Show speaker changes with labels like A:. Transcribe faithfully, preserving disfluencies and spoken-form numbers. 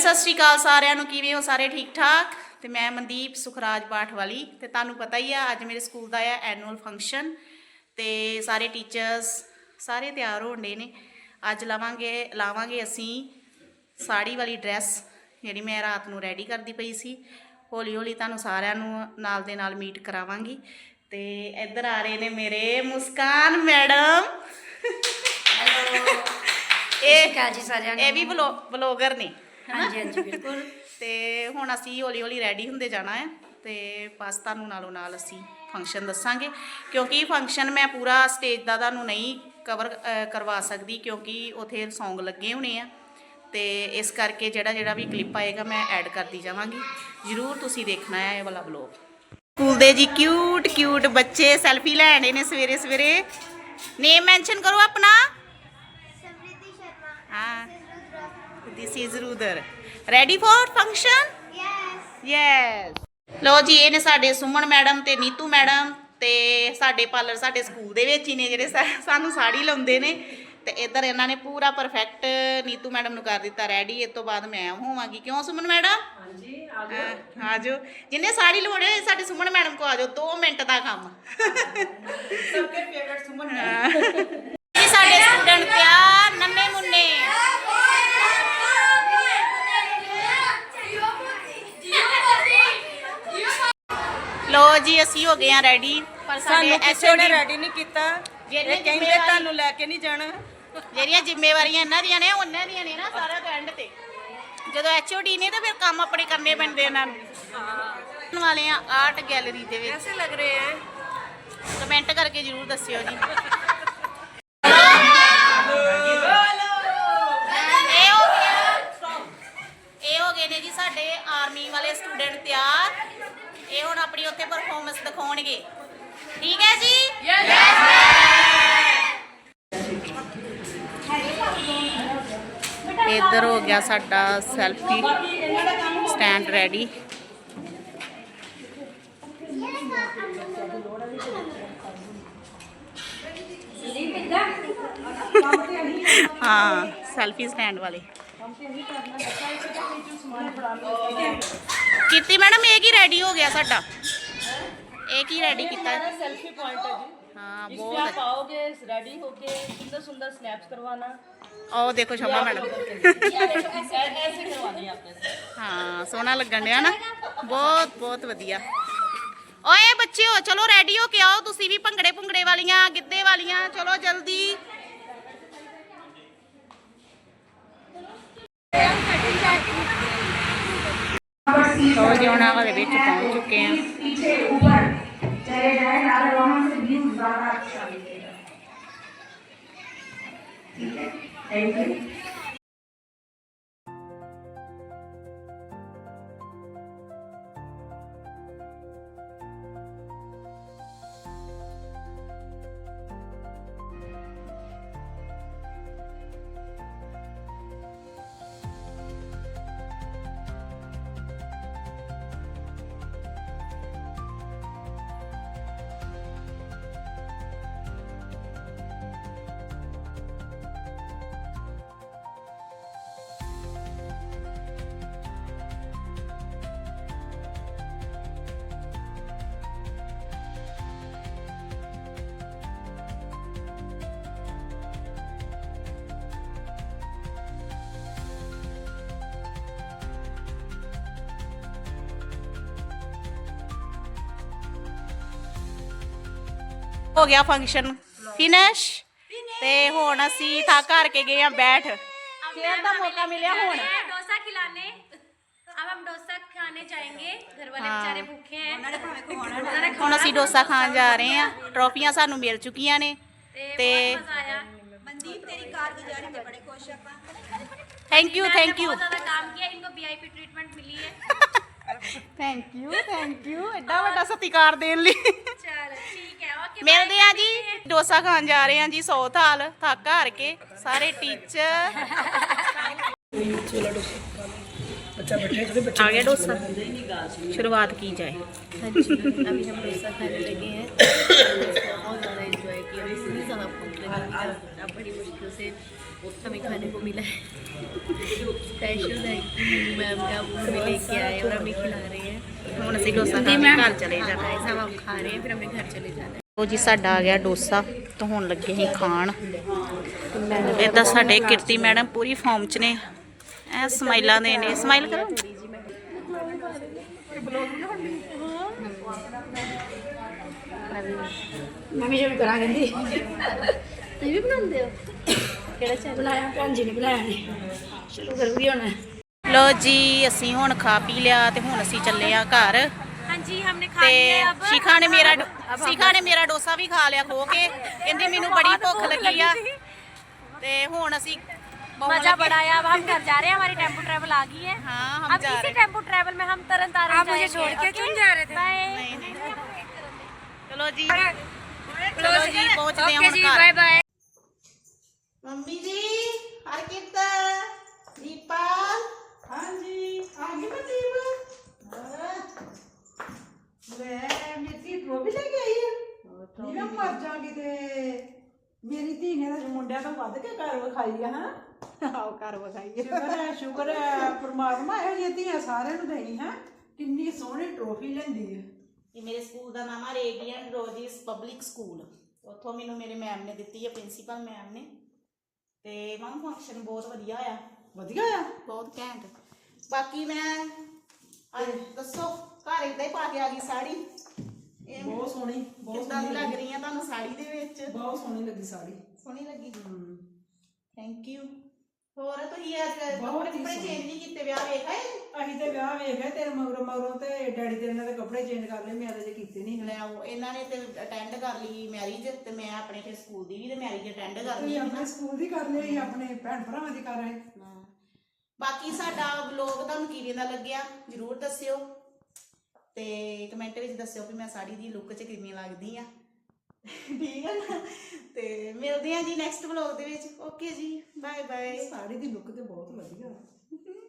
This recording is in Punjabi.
A: सत श्री अकाल सारिਆਂ ਨੂੰ ਕਿਵੇਂ ਹੋ ਸਾਰੇ ठीक ठाक ਤੇ मैं मनदीप सुखराज बाठ वाली ਤੇ ਤੁਹਾਨੂੰ ਪਤਾ ਹੀ ਆ ਅੱਜ ਮੇਰੇ ਸਕੂਲ ਦਾ ਆ ਐਨੂਅਲ ਫੰਕਸ਼ਨ ਤੇ ਸਾਰੇ ਟੀਚਰਸ ਸਾਰੇ ਤਿਆਰ ਹੋਣਦੇ ਨੇ ਅੱਜ ਲਾਵਾਂਗੇ ਲਾਵਾਂਗੇ ਅਸੀਂ ਸਾੜੀ ਵਾਲੀ ਡਰੈਸ ਜਿਹੜੀ ਮੈਂ ਰਾਤ ਨੂੰ ਰੈਡੀ ਕਰਦੀ ਪਈ ਸੀ ਹੌਲੀ ਹੌਲੀ ਤੁਹਾਨੂੰ ਸਾਰਿਆਂ ਨੂੰ ਨਾਲ ਦੇ ਨਾਲ ਮੀਟ ਕਰਾਵਾਂਗੀ ਤੇ ਇੱਧਰ ਆ ਰਹੇ ਨੇ ਮੇਰੇ ਮੁਸਕਾਨ ਮੈਡਮ ਹੈਲੋ ਇਹ
B: ਕਾਜੀ ਸਾਰਿਆਂ ਨੂੰ
A: ਇਹ ਵੀ ਵਲੋਗਰ ਨੇ
B: ਹਾਂਜੀ ਹਾਂਜੀ ਬਿਲਕੁਲ
A: ਤੇ ਹੁਣ ਅਸੀਂ ਹੌਲੀ ਹੌਲੀ ਰੈਡੀ ਹੁੰਦੇ ਜਾਣਾ ਹੈ ਤੇ ਬਸ ਤੁਹਾਨੂੰ ਨਾਲੋਂ ਨਾਲ ਅਸੀਂ ਫੰਕਸ਼ਨ ਦੱਸਾਂਗੇ ਕਿਉਂਕਿ ਫੰਕਸ਼ਨ ਮੈਂ ਪੂਰਾ ਸਟੇਜ ਦਾ ਤੁਹਾਨੂੰ ਨਹੀਂ ਕਵਰ ਕਰਵਾ ਸਕਦੀ ਕਿਉਂਕਿ ਉੱਥੇ ਸੌਂਗ ਲੱਗੇ ਹੋਣੇ ਆ ਤੇ ਇਸ ਕਰਕੇ ਜਿਹੜਾ ਜਿਹੜਾ ਵੀ ਕਲਿੱਪ ਆਏਗਾ ਮੈਂ ਐਡ ਕਰਦੀ ਜਾਵਾਂਗੀ ਜ਼ਰੂਰ ਤੁਸੀਂ ਦੇਖਣਾ ਹੈ ਇਹ ਵਾਲਾ ਵਲੋਗ ਸਕੂਲ ਦੇ ਜੀ ਕਿਊਟ ਕਿਊਟ ਬੱਚੇ ਸੈਲਫੀ ਲੈਣੇ ਨੇ ਸਵੇਰੇ ਸਵੇਰੇ ਨੇਮ ਮੈਂਸ਼ਨ ਕਰੋ ਆਪਣਾ हाँ this is Rudar ready for function yes yes लो जी ये ने साडे सुमन मैडम ते नीतू मैडम ते साडे पार्लर साडे स्कूल दे विच ही ने जिहड़े सानू साड़ी लाउंदे ने ते इधर इन्हां ने पूरा परफेक्ट नीतू मैडम नू कर दिता रेडी इस तो बाद मैं होवांगी क्यों सुमन मैडम हां जी आ जाओ जिन्हें साड़ी लवाणे साडे सुमन मैडम को आ जाओ दो मिनट दा काम सबके फेवरेट सुमन मैडम साडे स्टूडेंट तैयार नन्हे मुन्ने लो जी असी हो गए हैं रेडी पर साडे एचओडी
C: रेडी नहीं कीता ये कहंदे तानू लेके नहीं जाना
A: ਜਿਹੜੀਆਂ ਜ਼ਿੰਮੇਵਾਰੀਆਂ ਇਹਨਾਂ ਦੀਆਂ ਨੇ ਉਹਨਾਂ ਦੀਆਂ ਨੇ ਨਾ ਸਾਰਾ ਤੋਂ ਐਂਡ ਤੇ ਜਦੋਂ ਐਚਓਡੀ ਨੇ ਤਾਂ ਫਿਰ ਕੰਮ ਆਪਣੇ ਕਰਨੇ ਪੈਂਦੇ ਇਹਨਾਂ ਨੂੰ ਹਾਂ ਵਾਲੇ ਆ ਆਰਟ ਗੈਲਰੀ ਦੇ ਵਿੱਚ
C: कैसे लग रहे हैं
A: ਕਮੈਂਟ ਕਰਕੇ ਜ਼ਰੂਰ ਦੱਸਿਓ ਜੀ ਇਹ ਹੋ ਗਿਆ ਇਹ ਹੋ ਗਏ ਨੇ ਜੀ ਸਾਡੇ ਆਰਮੀ ਵਾਲੇ ਸਟੂਡੈਂਟ ਤਿਆਰ ਇਹ ਹੁਣ ਆਪਣੀ ਉੱਥੇ ਪਰਫਾਰਮੈਂਸ ਦਿਖਾਉਣਗੇ ਠੀਕ ਹੈ ਜੀ ਯੈਸ ਇੱਧਰ ਹੋ ਗਿਆ ਸਾਡਾ ਸੈਲਫੀ ਸਟੈਂਡ ਰੈਡੀ हाँ सेल्फी स्टैंड वाले कीती मैडम एक ही रेडी हो गया साडा एक ही रेडी किया
C: सेल्फी पॉइंट है जी
A: हाँ
C: इसमें
A: बहुत
C: आप आओगे रेडी होके सुंदर सुंदर स्नैप्स करवाना
A: ओ देखो शमा मैडम
C: ऐसे करवानी है आपने
A: हाँ सोहना लगन दिया ना बहुत बहुत वधिया ओए बच्चे हो चलो रेडी हो के आओ तुसी भी भंगड़े भुंगड़े वालियां गिद्धे वालियां चलो जल्दी तो जोना वाले विच पहुंच चुके हैं
D: थैंक यू
A: हो गया फंक्शन फिनिश ते हुण असी थक हार के गए हैं बैठ चेयर का मौका मिला हुण
B: डोसा खिलाने अब हम डोसा खाने जाएंगे घर वाले बेचारे भूखे हैं
A: हुण असी डोसा खान जा रहे हैं ट्रॉफियां सानू मिल चुकियां ने ते
B: मनदीप तेरी कारगुजारी में बड़े खुश हैं
A: थैंक यू थैंक यू
B: बहुत ज्यादा काम किया इनको वीआईपी ट्रीटमेंट मिली है
A: थैंक यू थैंक यू एडा बड़ा सत्कार देने लिए
B: चलो ठीक है ओके
A: मिलते हैं जी डोसा खान जा रहे हैं जी सौ थाल थक हार के सारे टीचर आ गया डोसा शुरुआत की जाए
B: हाँ जी अभी हम डोसा खाने लगे हैं बहुत ज़्यादा एंजॉय किया इतनी ज़्यादा भूख लगी अब बड़ी मुश्किल से हमें खाने को मिला है। स्पेशल थैंक यू मैम का, वो हमें लेके आए और हमें खिला रहे हैं।
A: ਹੁਣ ਅਸੀਂ ਡੋਸਾ ਖਾ ਕੇ ਘਰ ਚਲੇ ਜਾਣਾ
B: गाइस हम अब खा रहे हैं, फिर हमें घर चले जाना है।
A: ਉਹ ਜੀ ਸਾਡਾ ਆ ਗਿਆ ਡੋਸਾ ਤਾਂ ਹੁਣ ਲੱਗੇ ਅਸੀਂ ਖਾਣ। ਇੱਦਾਂ ਸਾਡੇ ਕਿਰਤੀ ਮੈਡਮ ਪੂਰੀ ਫਾਰਮ 'ਚ ਨੇ, ਐ ਸਮਾਈਲਾਂ ਦੇ ਨੇ। ਸਮਾਈਲ ਕਰੋ।
D: ਮੰਮੀ ਜੀ ਵੀ ਕਰਾਂ ਕਹਿੰਦੀ
B: तुम भी बनाते हो? केड़ा चैनल?
D: ਬਣਾਇਆ ਭੈਣ ਜੀ ਨੇ ਬਣਾਇਆ ਨੇ ਸ਼ੁਰੂ ਕਰੂਗੀ ਹੁਣ।
A: ਲੋ ਜੀ ਅਸੀਂ ਹੁਣ ਖਾ ਪੀ ਲਿਆ ਤੇ ਹੁਣ ਅਸੀਂ ਚੱਲੇ ਆ ਘਰ।
B: हाँ जी हमने खा
A: ਤੇ
B: लिया अब।
A: ਸ਼ਿਖਾ ਨੇ ਮੇਰਾ ਸ਼ਿਖਾ ਨੇ ਮੇਰਾ ਡੋਸਾ ਵੀ ਖਾ ਲਿਆ ਖੋ ਕੇ, ਕਹਿੰਦੀ ਮੈਨੂੰ ਬੜੀ ਭੁੱਖ ਲੱਗੀ ਆ। ਤੇ ਹੁਣ ਅਸੀਂ
B: मजा बड़ा आया। अब हम घर जा रहे हैं, हमारी टेम्पो ट्रैवल आ गई है।
A: हाँ, हम
B: अब
A: जा
B: इसी
A: रहे हैं।
B: टेम्पो ट्रैवल में हम तरन तारण
D: आप मुझे छोड़ के क्यों जा रहे थे?
A: नहीं नहीं चलो जी चलो जी पहुंचते हैं
D: ਓਕੇ ਜੀ,
A: ਹੁਣ
D: ਬਾਏ
A: ਘਰ।
D: ਬਾਏ।
A: ਮੰਮੀ ਜੀ ਹਰਕਿਰਤ ਦੀਪਾਲ
C: ਹਾਂਜੀ ਆ ਗਈ ਮਨਦੀਪ ਲੈ ਮੇਰੀ ਟਰੋਫੀ ਲੈ ਕੇ ਆਈ ਹੈ। ਨੀ ਮੈਂ ਮਰ ਜਾ ਕਿਤੇ, ਮੇਰੀ ਧੀ ਨੇ ਤਾਂ ਮੁੰਡਿਆਂ ਤੋਂ ਵੱਧ ਕੇ ਘਰ ਵਿਖਾਈ ਆ। ਹਾਂ ਆਓ ਘਰ ਵਿਖਾਈ ਸ਼ੁਕਰ ਹੈ ਸ਼ੁਕਰ ਹੈ ਪਰਮਾਤਮਾ ਇਹੋ ਜਿਹੀਆਂ ਧੀਆਂ ਸਾਰਿਆਂ ਨੂੰ ਦੇਣੀ ਹੈ। ਕਿੰਨੀ ਸੋਹਣੀ ਟਰੋਫੀ ਲੈਂਦੀ ਹੈ।
A: ਇਹ ਮੇਰੇ ਸਕੂਲ ਦਾ ਨਾਮ ਹੈ ਰੇਡੀਅੰਟ ਰੋਜ਼ਿਸ ਪਬਲਿਕ ਸਕੂਲ। ਉੱਥੋਂ ਮੈਨੂੰ ਮੇਰੇ ਮੈਮ ਨੇ ਦਿੱਤੀ ਹੈ, ਪ੍ਰਿੰਸੀਪਲ ਮੈਮ ਨੇ। ਤੇ ਮਮ ਫੰਕਸ਼ਨ ਬਹੁਤ ਵਧੀਆ ਆ,
C: ਵਧੀਆ ਆ।
A: ਬਹੁਤ ਘੈਂਟ। ਬਾਕੀ ਮੈਂ ਅੱਜ ਦੱਸੋ ਘਰ ਇਦਾਂ ਹੀ ਪਾ ਕੇ ਆ ਗਈ ਸਾੜੀ। ਇਹ
C: ਬਹੁਤ ਸੋਹਣੀ ਬਹੁਤ
A: ਕਿੱਦਾਂ ਦੀ
C: ਸੋਹਣੀ
A: ਲੱਗ ਰਹੀ ਆ ਤੁਹਾਨੂੰ ਸਾੜੀ ਦੇ ਵਿੱਚ?
C: ਬਹੁਤ ਸੋਹਣੀ ਲੱਗੀ ਸਾੜੀ।
A: ਸੋਹਣੀ ਲੱਗੀ। Thank you. ਹੋਰ ਤੁਸੀਂ ਅੱਜ
C: ਬਹੁਤ
A: ਕੱਪੜੇ
C: ਹੀ
A: ਕੁਪੜੇ
C: ਸੋਹਣੀ।
A: ਚੇਂਜ ਨਹੀਂ ਕੀਤੇ? ਵਿਆਹ ਵੇਖਾਏ?
C: ਅਸੀਂ ਤੇ ਵਿਆਹ ਵੇਖ ਗਏ ਤੇਰੇ ਮਗਰੋਂ ਮਗਰੋਂ ਤੇ ਡੈਡੀ ਤੇਰੇ ਨੇ ਤੇ ਕੱਪੜੇ ਚੇਂਜ ਕਰ ਲਏ, ਮੈਂ ਅਜੇ ਕੀਤੇ ਨਹੀਂ।
A: ਲੈ ਆਓ, ਇਹਨਾਂ ਨੇ ਤੇ ਅਟੈਂਡ ਕਰ ਲਈ ਮੈਰਿਜ ਤੇ ਮੈਂ ਆਪਣੇ ਫਿਰ ਸਕੂਲ ਦੀ ਵੀ ਤੇ ਮੈਰਿਜ ਅਟੈਂਡ ਕਰ ਲਈ
C: ਤੁਸੀਂ
A: ਹੈ
C: ਆਪਣੇ
A: ਨਾ।
C: ਸਕੂਲ ਦੀ ਕਰ ਲਈ, ਆਪਣੇ ਭੈਣ ਭਰਾਵਾਂ ਦੀ ਕਰ ਆਏ।
A: ਹਾਂ। ਬਾਕੀ ਸਾਡਾ ਵਲੋਗ ਤੁਹਾਨੂੰ ਕਿਵੇਂ ਦਾ ਲੱਗਿਆ ਜਰੂਰ ਦੱਸਿਓ ਤੇ ਕਮੈਂਟ ਵਿੱਚ ਦੱਸਿਓ ਵੀ ਮੈਂ ਸਾੜੀ ਦੀ ਲੁੱਕ 'ਚ ਕਿਵੇਂ ਲੱਗਦੀ ਆ। ਠੀਕ ਹੈ ਨਾ? ਤੇ ਮਿਲਦੇ ਆ ਜੀ ਨੈਕਸਟ ਵਲੋਗ ਦੇ ਵਿੱਚ। ਓਕੇ ਜੀ, ਬਾਏ ਬਾਏ।
C: ਸਾੜੀ ਦੀ ਲੁੱਕ ਤੇ ਬਹੁਤ ਵਧੀਆ।